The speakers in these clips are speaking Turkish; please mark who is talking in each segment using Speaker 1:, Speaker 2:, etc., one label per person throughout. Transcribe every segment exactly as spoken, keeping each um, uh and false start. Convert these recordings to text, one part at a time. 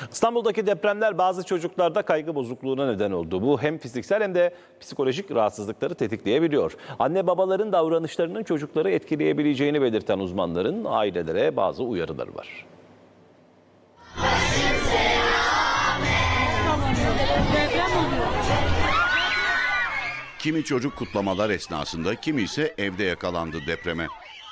Speaker 1: İstanbul'daki depremler bazı çocuklarda kaygı bozukluğuna neden oldu. Bu hem fiziksel hem de psikolojik rahatsızlıkları tetikleyebiliyor. Anne babaların davranışlarının çocukları etkileyebileceğini belirten uzmanların ailelere bazı uyarıları var.
Speaker 2: Kimi çocuk kutlamalar esnasında, kimi ise evde yakalandı depreme.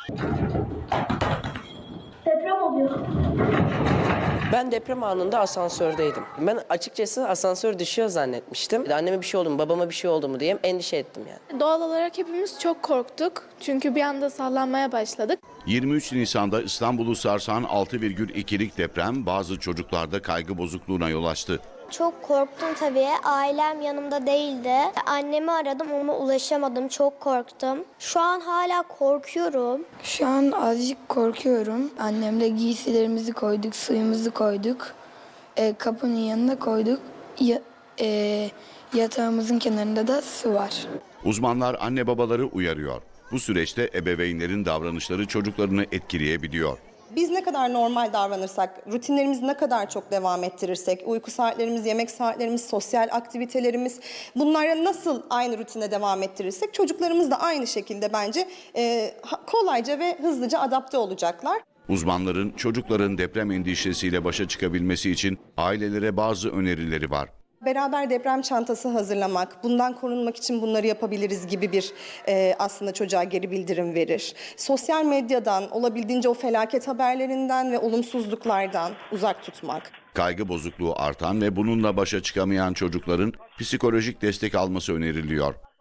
Speaker 3: Deprem oluyor.
Speaker 4: Ben deprem anında asansördeydim. Ben açıkçası asansör düşüyor zannetmiştim. Anneme bir şey oldu mu, babama bir şey oldu mu diye endişe ettim yani.
Speaker 5: Doğal olarak hepimiz çok korktuk. Çünkü bir anda sallanmaya başladık.
Speaker 2: yirmi üç Nisan'da İstanbul'u sarsan altı virgül ikilik deprem bazı çocuklarda kaygı bozukluğuna yol açtı.
Speaker 3: Çok korktum tabii. Ailem yanımda değildi. Annemi aradım ama ulaşamadım. Çok korktum. Şu an hala korkuyorum.
Speaker 6: Şu an azıcık korkuyorum. Annemle giysilerimizi koyduk, suyumuzu koyduk. E, kapının yanına koyduk. Ya, e, yatağımızın kenarında da su var.
Speaker 2: Uzmanlar anne babaları uyarıyor. Bu süreçte ebeveynlerin davranışları çocuklarını etkileyebiliyor.
Speaker 7: Biz ne kadar normal davranırsak, rutinlerimizi ne kadar çok devam ettirirsek, uyku saatlerimiz, yemek saatlerimiz, sosyal aktivitelerimiz, bunlara nasıl aynı rutine devam ettirirsek çocuklarımız da aynı şekilde bence e, kolayca ve hızlıca adapte olacaklar.
Speaker 2: Uzmanların çocukların deprem endişesiyle başa çıkabilmesi için ailelere bazı önerileri var.
Speaker 7: Beraber deprem çantası hazırlamak, bundan korunmak için bunları yapabiliriz gibi bir e, aslında çocuğa geri bildirim verir. Sosyal medyadan, olabildiğince o felaket haberlerinden ve olumsuzluklardan uzak tutmak.
Speaker 2: Kaygı bozukluğu artan ve bununla başa çıkamayan çocukların psikolojik destek alması öneriliyor.